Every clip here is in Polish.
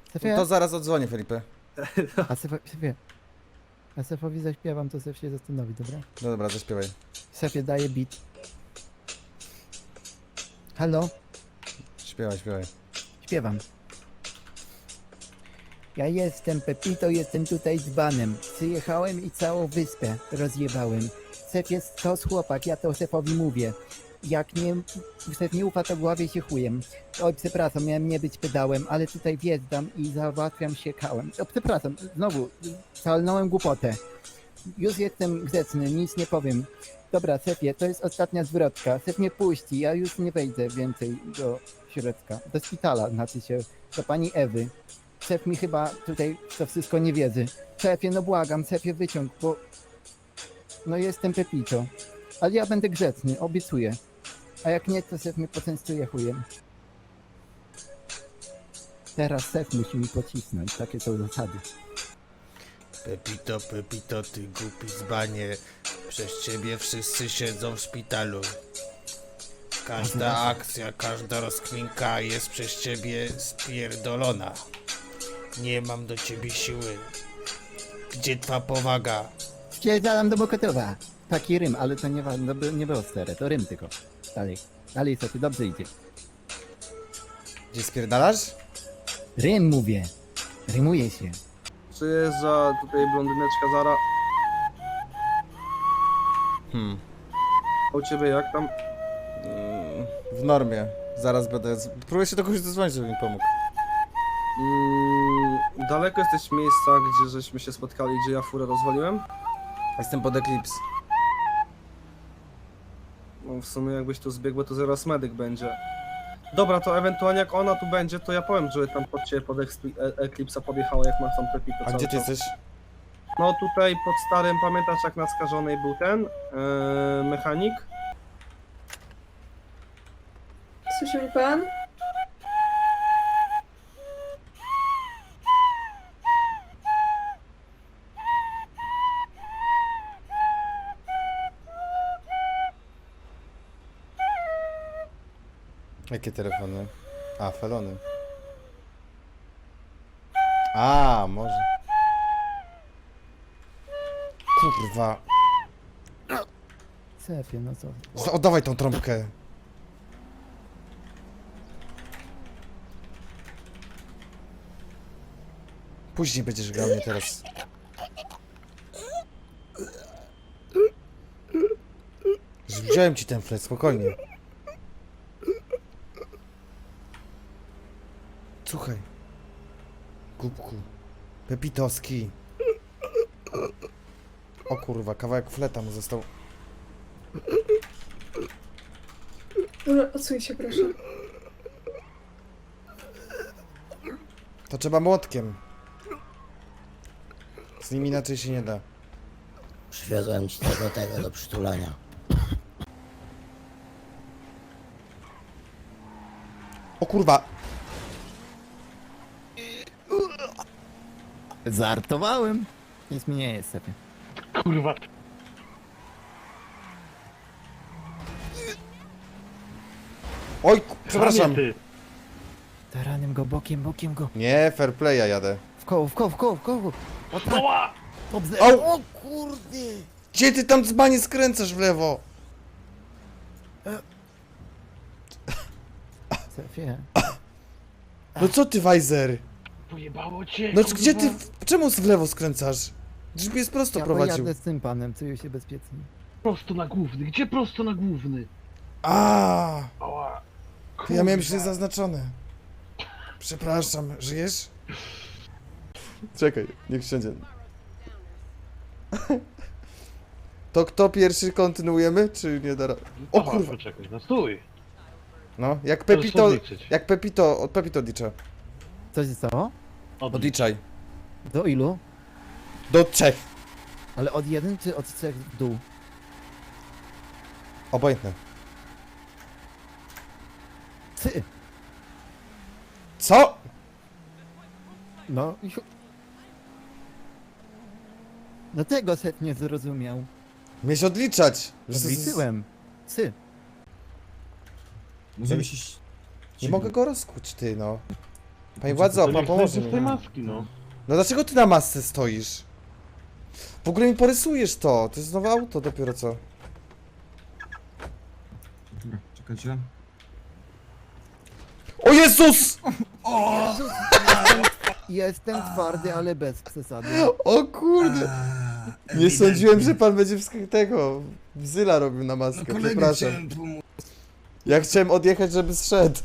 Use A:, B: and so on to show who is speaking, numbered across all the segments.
A: Szefie,
B: To zaraz odzwonię, Felipe.
A: a szefowi zaśpiewam, to szef się zastanowi, dobra?
B: No dobra, zaśpiewaj.
A: Szefie, daje beat. Halo?
B: Śpiewaj, śpiewaj.
A: Śpiewam. Ja jestem Pepito, jestem tutaj dzbanem. Przyjechałem i całą wyspę rozjebałem. Szef jest to chłopak, ja to szefowi mówię. Jak nie, szef nie ufa, to głowie się chujem. Oj, przepraszam, miałem nie być pedałem, ale tutaj wjeżdżam i załatwiam się kałem. O, przepraszam, znowu, szalnąłem głupotę. Już jestem grzeczny, nic nie powiem. Dobra, szefie, to jest ostatnia zwrotka. Szef mnie puści, ja już nie wejdę więcej do środka. Do szpitala, znaczy się, do pani Ewy. Szef mi chyba tutaj to wszystko nie wierzy. Szefie, no błagam, szefie wyciąg, bo... No jestem Pepito. Ale ja będę grzeczny, obiecuję. A jak nie, to szef mnie poczęstuje chujem. Teraz szef musi mi pocisnąć, takie są zasady.
B: Pepito, Pepito, ty głupi dzbanie. Przez ciebie wszyscy siedzą w szpitalu. Każda akcja, każda rozkminka jest przez ciebie spierdolona. Nie mam do ciebie siły. Gdzie twa powaga?
A: Spierdalam do Mokotowa. Taki rym, ale to nie było stare, to rym tylko. Dalej, dalej szefie, dobrze idzie.
B: Gdzie spierdalasz?
A: Rym mówię. Rymuje się.
C: Przyjeżdża tutaj blondyneczka Zara. A u ciebie jak tam?
B: W normie. Zaraz będę... Próbuję się do kogoś zadzwonić, żeby mi pomógł.
C: Daleko jesteś miejsca, gdzie żeśmy się spotkali, gdzie ja furę rozwaliłem?
B: Jestem pod Eclipse.
C: No w sumie jakbyś tu zbiegł, to zaraz medyk będzie. Dobra, to ewentualnie jak ona tu będzie, to ja powiem, że tam pod ciebie pod Eclipse'a podjechała, jak masz tam Pepito
B: A
C: cały
B: gdzie ty
C: czas.
B: jesteś?
C: No tutaj pod starym, pamiętasz jak na Skażonej był ten mechanik?
D: Słyszy mi pan?
B: Jakie telefony? A, felony. A, może. Kurwa.
A: Szefie, no co?
B: Oddawaj tą trąbkę. Później będziesz grał, nie teraz. Wziąłem ci ten flet, spokojnie. Słuchaj. Głupku. Pepitoski. O kurwa, kawałek fleta mu został.
D: Dobra, odsuń się proszę.
B: To trzeba młotkiem. Z nim inaczej się nie da.
E: Przywiozłem ci tego do przytulania.
B: O kurwa!
A: Żartowałem. Nic mi nie jest, szefie.
F: Kurwa.
B: Oj, przepraszam.
F: Ty.
A: Taranem go, bokiem go.
B: Nie, fair playa jadę.
A: W koło. O tak,
F: Oła!
A: dobrze.
B: Au!
A: O kurde.
B: Gdzie ty tam dzbanie skręcasz w lewo?
A: Szefie.
B: No co ty, Weiser?
F: Pojebało cię,
B: No
F: kurwa.
B: gdzie ty, czemu w lewo skręcasz? Gdzieś mnie prosto
A: Ja
B: prowadził.
A: pojadę z tym panem, czuję się bezpiecznie.
F: Prosto na główny, gdzie prosto na główny?
B: A,
F: Oła.
B: to ja miałem
F: Kurwa.
B: źle zaznaczone. Przepraszam, żyjesz? Czekaj, niech siądzie. To kto pierwszy kontynuujemy, czy nie da ra- O
F: Aha,
B: kurwa.
F: poczekaj, no stój.
B: No, jak
F: Możesz
B: Pepito,
F: podliczyć.
B: jak Pepito, od Pepito odlicza.
A: Co się stało?
B: Odliczaj.
A: Do ilu?
B: Do 3.
A: Ale od 1 czy od 3 w dół?
B: Obojętne.
A: 3.
B: Co?
A: No. No tego szef nie zrozumiał.
B: Miałeś odliczać.
A: Odliczyłem. 3.
B: Nie mogę go rozkuć, ty no.
G: Panie władzo,
F: To
G: pan
F: niech
G: pomoże
F: zejdzie z tej
G: mi.
F: maski, no.
G: No dlaczego ty na masce stoisz? W ogóle mi porysujesz to. To jest nowe auto dopiero co.
H: Czekajcie.
G: O Jezus!
A: Jestem twardy, ale bez przesady.
G: O kurde! Nie sądziłem, że pan będzie tego bzyla robił na maskę, przepraszam. Ja chciałem odjechać, żeby zszedł.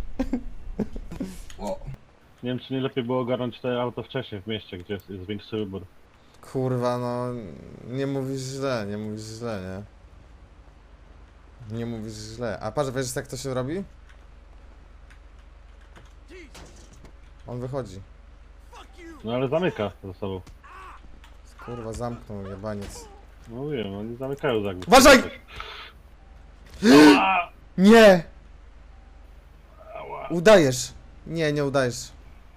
F: Nie wiem, czy nie lepiej było ogarnąć te auto wcześniej w mieście, gdzie jest większy wybór.
G: Kurwa, no nie mówisz źle, nie? Nie mówisz źle. A patrz, wiesz jak to się robi? On wychodzi.
F: No ale zamyka za sobą.
G: Kurwa, zamknął jebaniec.
F: No wiem, oni zamykają za głowę.
G: Uważaj! Nie!
F: Ała.
G: Udajesz. Nie, nie udajesz.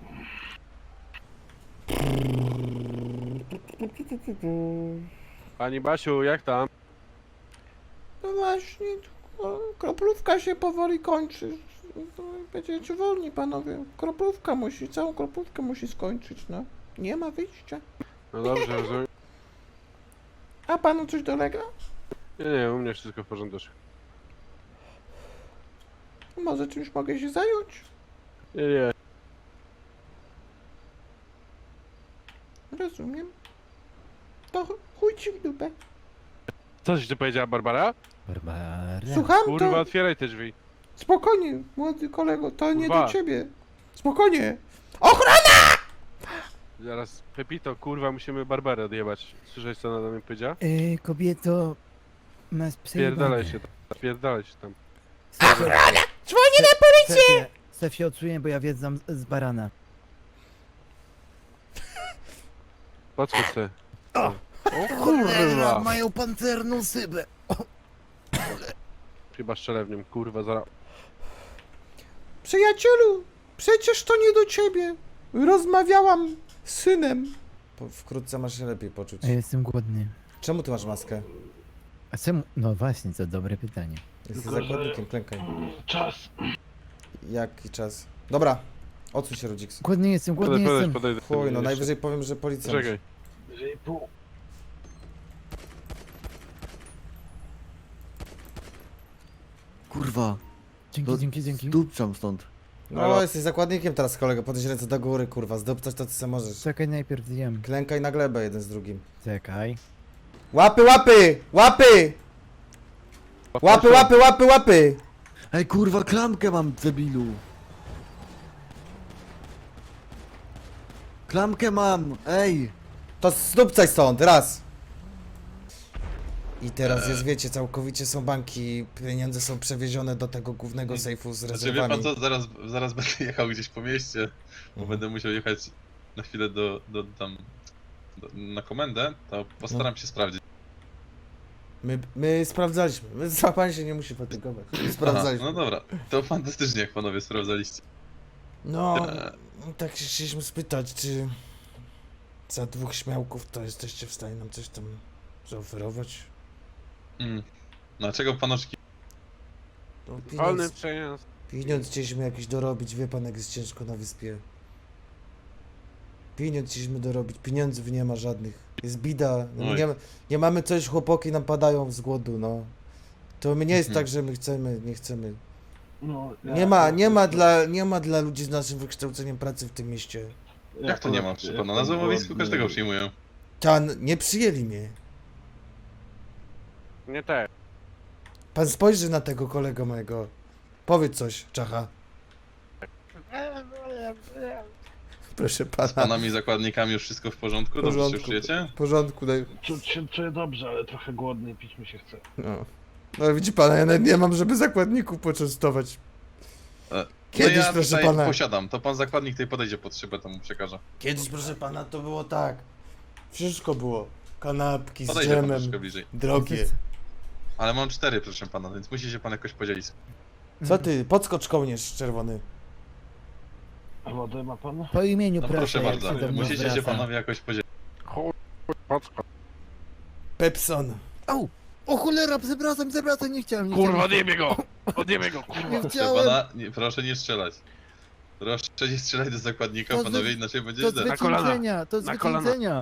I: Pani Basiu, jak tam?
G: No właśnie, kroplówka się powoli kończy. Będziecie wolni, panowie. Kroplówka musi, całą kroplówkę musi skończyć, no. Nie ma wyjścia.
I: No dobrze, rozumiem.
G: A panu coś dolega?
I: Nie, u mnie wszystko w porządku.
G: Może czymś mogę się zająć?
I: Nie.
G: Rozumiem. To chuj ci w dupę.
I: Co ci tu powiedziała Barbara?
A: Barbara.
G: Słucham
I: Kurwa,
G: to?
I: otwieraj te drzwi.
G: Spokojnie, młody kolego, to nie
I: Kurwa.
G: do ciebie. Spokojnie. Ochrona!
I: Zaraz, Pepito, kurwa, musimy Barbarę odjebać. Słyszałeś, co ona do mnie powiedziała?
A: Kobieto, masz przejebane.
I: Spierdalaj się tam.
A: Ochrona!
G: Dzwonię na policję!
A: Sef się odczuję, bo ja wiedzam z barana.
I: Podskocz se.
A: O!
I: O kurwa!
A: Mają pancerną szybę.
I: Chyba strzelę w nim, kurwa, zaraz.
G: Przyjacielu, przecież to nie do ciebie. Rozmawiałam z synem. Wkrótce masz się lepiej poczuć.
A: Ja jestem głodny.
G: Czemu ty masz maskę?
A: A czemu? No właśnie, to dobre pytanie.
G: Jesteś
F: Tylko, że-
G: zakładnikiem, klękaj.
F: Czas.
G: Jaki czas? Dobra, odsuń się, Rudziks.
A: Głodny jestem, głodny jestem.
I: Podejdę.
G: Chuj, no
I: Jeszcze.
G: najwyżej powiem, że policja.
I: Czekaj.
F: Jeżeli pół.
H: Kurwa,
A: Dzięki.
H: dupczam stąd.
G: No, jesteś zakładnikiem teraz, kolego. Podnieś ręce do góry, kurwa. Zdobcać to, co sobie możesz.
A: Czekaj, najpierw zjem.
G: Klękaj na glebę jeden z drugim.
A: Czekaj.
G: Łapy, łapy! Łapy! Łapy, łapy, łapy, łapy!
H: Ej, kurwa, klamkę mam, debilu. Klamkę mam, ej.
G: To zdupcaj stąd, raz! I teraz jest, wiecie, całkowicie są banki, pieniądze są przewiezione do tego głównego sejfu z
J: Znaczy wie
G: rezerwami.
J: pan co, zaraz będę jechał gdzieś po mieście, bo będę musiał jechać na chwilę na komendę, to postaram się sprawdzić.
G: My sprawdzaliśmy, pan się nie musi fatygować. My sprawdzaliśmy.
J: Aha, no dobra, to fantastycznie jak panowie sprawdzaliście.
G: No, tak się chcieliśmy spytać, czy za 2 śmiałków to jesteście w stanie nam coś tam zaoferować?
J: Dlaczego panoczki?
G: No,
I: Wolny przejazd.
G: pieniądz chcieliśmy jakiś dorobić, wie pan jak jest ciężko na wyspie. Pieniądz chcieliśmy dorobić, pieniędzów nie ma żadnych. Jest bida, no,
J: Oj.
G: nie mamy coś, chłopaki nam padają z głodu, no. To my nie jest
J: Mhm.
G: tak, że my chcemy, nie chcemy.
F: No,
G: Nie ma dla ludzi z naszym wykształceniem pracy w tym mieście.
J: Jak to nie ma, proszę pana? Na złomowisku każdego przyjmują.
G: Nie przyjęli mnie.
I: Nie te.
G: Pan spojrzy na tego kolegę mojego. Powiedz coś, Czacha. Proszę
J: Z
G: pana.
J: panami zakładnikami już wszystko w porządku? Dobrze się czujecie?
G: W porządku, daj.
F: Czuć się czuję dobrze, ale trochę głodny i pić mi się chce.
G: No. No widzi pana, ja nawet nie mam, żeby zakładników poczęstować. Kiedyś,
J: no ja
G: proszę
J: tutaj
G: pana.
J: posiadam, to pan zakładnik tutaj podejdzie pod szybę, to mu przekażę.
G: Kiedyś, proszę pana, to było tak. Wszystko było. Kanapki z
J: Podejdzie pan
G: dżemem,
J: troszkę bliżej.
G: drogie.
J: Ale mam 4, proszę pana, więc musi się pan jakoś podzielić.
G: Co ty, podskocz kołnierz czerwony.
F: A wodę ma pan?
A: Po imieniu
J: No
A: proszę,
J: proszę
A: jak
J: bardzo,
A: się do mnie
J: musicie się
A: zwraca.
J: panowie jakoś podzielić.
G: Pepson.
A: Au! O cholera, przepraszam, nie chciałem.
F: Kurwa, odjebie go! Odjebie go, kurwa!
A: Nie
J: Proszę
A: chciałem.
J: pana, proszę nie strzelać. Proszę, nie strzelaj do zakładnika,
A: To
J: panowie,
A: wy-
J: inaczej będzie
A: To
J: źle.
I: Na kolana.
A: zwyciężenia, to
I: Na kolana.
A: zwyciężenia.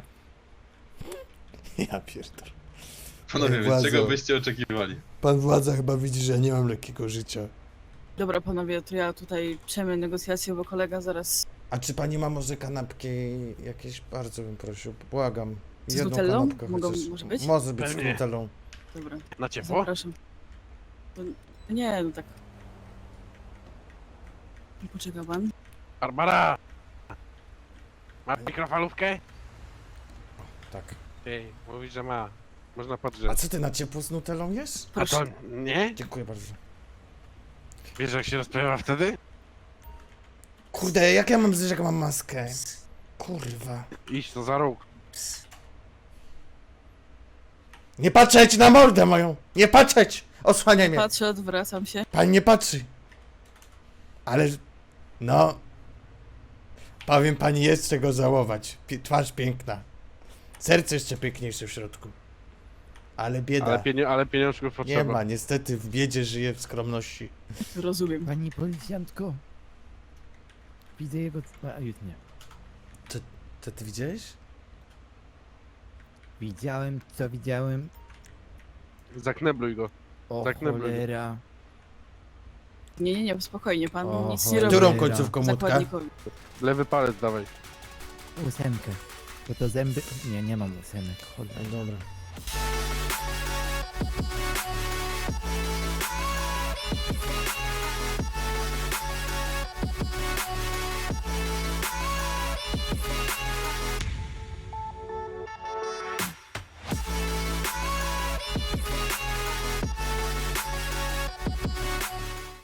B: Ja pierdolę.
J: Panowie, więc
B: Władzo.
J: czego byście oczekiwali?
B: Pan władza chyba widzi, że ja nie mam lekkiego życia.
K: Dobra, panowie, to ja tutaj przejmę negocjacje, bo kolega zaraz
B: A czy pani ma może kanapki jakieś? Bardzo bym prosił, błagam.
K: Z
B: Jedną
K: nutellą?
B: kanapkę
K: Mogą-
B: chociaż.
K: może być?
B: Może być z
I: Pewnie.
B: nutellą.
K: Dobra,
I: Na ciepło?
K: zapraszam. To, nie, no tak. Poczeka pan.
I: Barbara! Ma mikrofalówkę?
B: Tak.
I: Ty, mówi, że ma. Można
B: A
I: podrzeć.
B: co ty na ciepło z nutellą jesz?
I: A
K: Proszę.
I: to nie?
B: Dziękuję bardzo.
I: Wiesz jak się rozpływa wtedy?
B: Kurde, jak ja mam zjeść, jak mam maskę? Kurwa.
I: Idź to za róg.
B: Nie patrzeć na mordę moją! Nie patrzeć! Osłaniaj mnie!
K: Patrzę, odwracam się.
B: Pani nie patrzy. Ale, no... Powiem pani, jest czego żałować. Twarz piękna. Serce jeszcze piękniejsze w środku. Ale bieda.
I: Ale pieniążków
B: Nie
I: potrzeba.
B: ma, niestety w biedzie żyje w skromności.
K: Rozumiem.
A: Pani policjantko. Widzę jego... A już nie.
B: To ty widziałeś?
A: Widziałem, co widziałem.
I: Zaknebluj go.
A: O
I: Tak na
A: cholera.
K: Nie, spokojnie, pan
A: O,
K: nic nie
A: cholera.
K: robi
B: Którą końcówką młotka?
K: zakładnikowi.
I: Lewy palec dawaj.
A: Ósemkę. Bo to zęby... Nie, nie mam ósemek. Cholera.
B: No dobra.